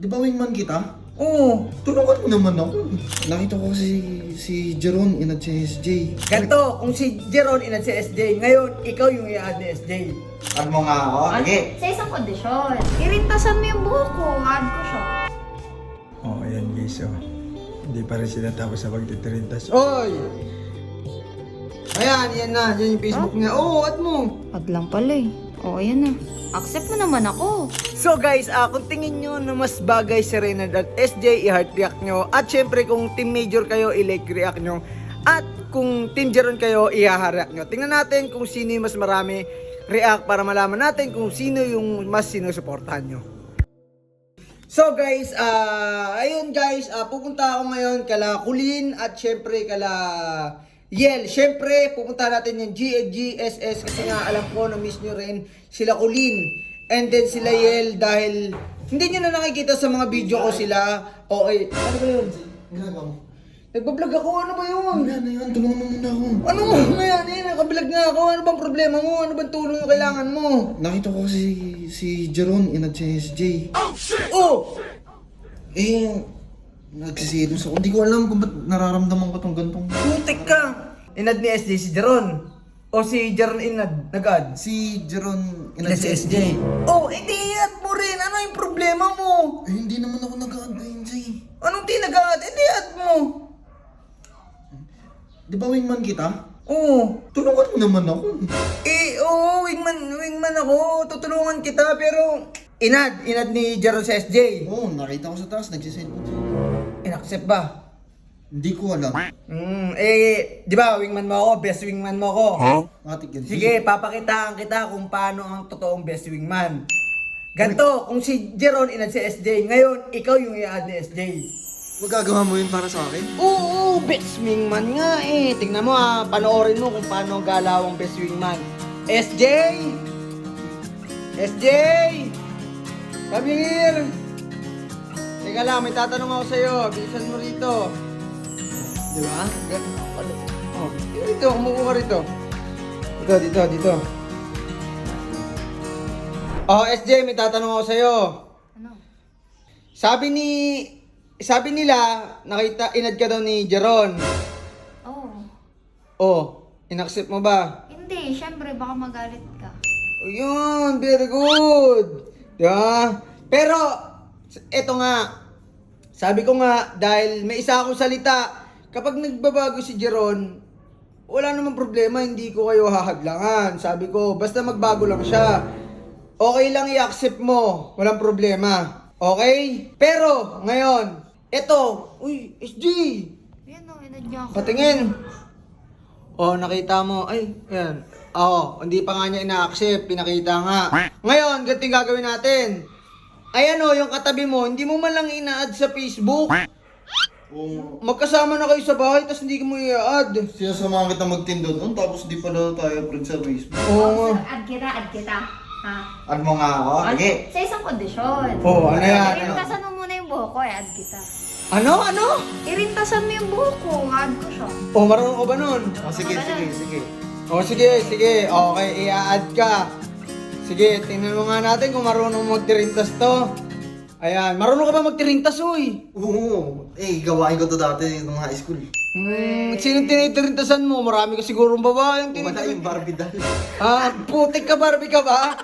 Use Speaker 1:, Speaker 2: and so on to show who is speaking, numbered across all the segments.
Speaker 1: Di ba wingman kita?
Speaker 2: Oo.
Speaker 1: Tulungan mo naman ako. Nakita ko si Jeron inad si SJ.
Speaker 2: Ganto, kung si Jeron inad si SJ, ngayon, ikaw yung i-add ni SJ.
Speaker 1: Add mo nga ako. Sige.
Speaker 3: Sa isang kondisyon. Irintasan mo yung buhok ko. Add ko siya.
Speaker 4: Oh, ayan guys, oh. Hindi pa rin sila tapos sa pagtitirintas.
Speaker 2: Oy! Ayan, yan na. Yan yung Facebook niya. Oo, add mo.
Speaker 3: Add lang pala eh. Oo, ayan na. Accept mo naman ako.
Speaker 2: So guys, kung tingin nyo na mas bagay si Reynard at SJ, i-heart react nyo. At syempre, kung team major kayo, i-like react nyo. At kung team Jeron kayo, i-heart react nyo. Tingnan natin kung sino yung mas marami react para malaman natin kung sino yung mas sinusuportahan nyo. So guys, ayun guys, pupunta ako ngayon kala Kulin at syempre kala Yel. Syempre, pupunta natin yung GSS kasi nga alam ko na miss nyo rin sila Kulin. And then sila Yel dahil hindi nyo na nakikita sa mga video ko sila. Okay, ano ba yun?
Speaker 1: Ginagawa mo.
Speaker 2: Nagbablog ako, ano ba yun?
Speaker 1: Wala na yan. Tulungan mo muna ako.
Speaker 2: Ano mo na yan? Nakablog nga ako. Ano bang problema mo? Ano bang tulong yung kailangan mo?
Speaker 1: Nakita ko si Jeron inad si SJ.
Speaker 2: Oh!
Speaker 1: Eh, nagsisilos ako. Hindi ko alam kung ba't nararamdaman ko tong gantong.
Speaker 2: Putik ka! Inad ni SJ si Jeron. O si Jeron inad, nag-add.
Speaker 1: Si Jeron
Speaker 2: Inad si SJ. Oh, edi add mo rin. Ano yung problema mo?
Speaker 1: Eh, hindi naman ako nag-add na SJ.
Speaker 2: Anong di nag-add? Edi add mo.
Speaker 1: Di ba wingman kita?
Speaker 2: Oo.
Speaker 1: Tulungan mo naman ako.
Speaker 2: Oo, wingman ako. Tutulungan kita, pero inad ni Jeron sa SJ.
Speaker 1: Oo, nakita ko sa taas. Nagsiselfon siya.
Speaker 2: In-accept ba?
Speaker 1: Hindi ko alam.
Speaker 2: Di ba, wingman mo ako, best wingman mo ako.
Speaker 1: Matik yan.
Speaker 2: Sige, papakitaan kita kung paano ang totoong best wingman. Ganto, kung si Jeron inad si SJ, ngayon, ikaw yung i-add ni SJ.
Speaker 1: Magagawa mo yun para sa akin?
Speaker 2: Oo, best wingman nga eh. Tingnan mo panoorin mo kung paano ang galawang best wingman. SJ! SJ! Come here! Teka lang, may tatanong ako sa'yo. Bilisan mo rito. Di ba? Oh, dito, umupo ka rito. Dito. Oh, SJ, may tatanong ako sa'yo.
Speaker 3: Ano?
Speaker 2: Sabi nila, nakita, inad ka daw ni Jeron.
Speaker 3: Oo.
Speaker 2: Oh, inaccept mo ba?
Speaker 3: Hindi, syempre baka magalit ka.
Speaker 2: Ayun, very good. Diba? Pero, eto nga, sabi ko nga, dahil may isa akong salita, kapag nagbabago si Jeron, wala namang problema, hindi ko kayo hahadlangan. Sabi ko, basta magbago lang siya. Okay lang i-accept mo, walang problema. Okay? Pero, ngayon, eto, uy, SG,
Speaker 3: Yan o, inad niya ako.
Speaker 2: patingin. Oh, nakita mo. Ay, ayan. Oo, hindi pa nga niya ina-accept. Pinakita nga. Ngayon, ganito yung gagawin natin. Ayan o, yung katabi mo, hindi mo man lang ina-add sa Facebook.
Speaker 1: Oo.
Speaker 2: Magkasama na kayo sa bahay, tapos hindi mo i-add.
Speaker 1: Sinasamahan kita magtindo doon, tapos di pala tayo friend sa Facebook.
Speaker 2: Oo nga.
Speaker 3: Add kita. Ha?
Speaker 1: Add mo nga ako. Sige.
Speaker 3: Sa isang kondisyon.
Speaker 2: Oo, ano yan?
Speaker 3: Irintasan mo muna yung buhok ko, add kita.
Speaker 2: Ano?
Speaker 3: Irintasan mo yung buhok ko, add ko siya.
Speaker 2: Oh, marunong ka ba nun?
Speaker 1: Oh, sige.
Speaker 2: Oh, sige. Okay, i-add ka. Sige, tingnan mo nga natin kung marunong magtirintas to. Ayan, marunong ka ba magtirintas, uy?
Speaker 1: Oo. Eh, gawain ko to dati nung high school.
Speaker 2: Sino tinitirintasan mo? Marami ka sigurong babae yung
Speaker 1: Wala yung Barbie doll.
Speaker 2: Putik ka, Barbie ka ba?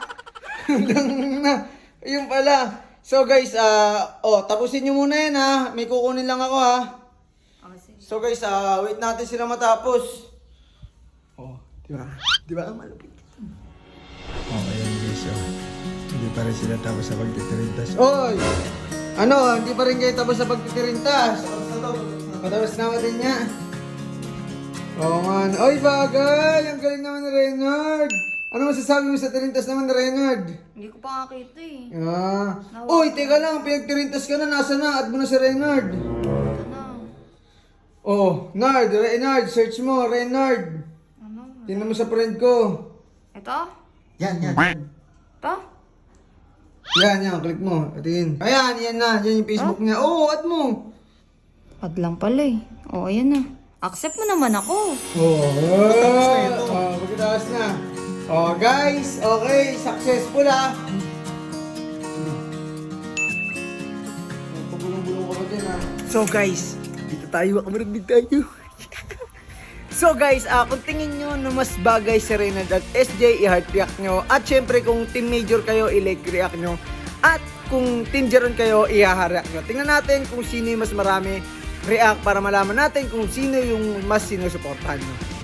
Speaker 2: Yung pala. So guys, tapusin nyo muna yan ha. May kukunin lang ako ha.
Speaker 3: Sige.
Speaker 2: So guys, wait natin sila matapos. Oh, di ba? Di ba? Malupit.
Speaker 4: Oh, ayan guys, oh. Hindi pa rin sila tapos sa pagtitirintas.
Speaker 2: Oy! Ano, hindi pa rin kayo tapos sa pagtitirintas? Patapos na din niya. Oo man. Oy, bagay! Ang galing naman ni Reynard! Ano masasabi mo sa tirintas naman ni Reynard?
Speaker 3: Hindi ko pa nakita eh.
Speaker 2: Uy, teka lang, pinagtirintas ka na, nasa na? Add mo na si Reynard.
Speaker 3: Ano?
Speaker 2: Oh, Reynard, search mo, Reynard.
Speaker 3: Ano?
Speaker 2: Tingnan mo sa friend ko.
Speaker 3: Ito?
Speaker 1: Yan.
Speaker 3: Ito?
Speaker 2: Yan, click mo. Tingin. Ayan, yan na. Yan yung Facebook niya. Oo, add mo.
Speaker 3: Add lang pala eh. Oo, ayan na. Accept mo naman ako.
Speaker 2: Pagkataas na. Oh, guys, okay, successful So guys, dito tayo, kamarundig tayo. So guys, kung tingin nyo na mas bagay si Reynald at SJ, i-heart react nyo. At syempre kung team major kayo, i-like react nyo. At kung team Jeron kayo, i-react nyo. Tingnan natin kung sino yung mas marami react para malaman natin kung sino yung mas sinusuportahan nyo.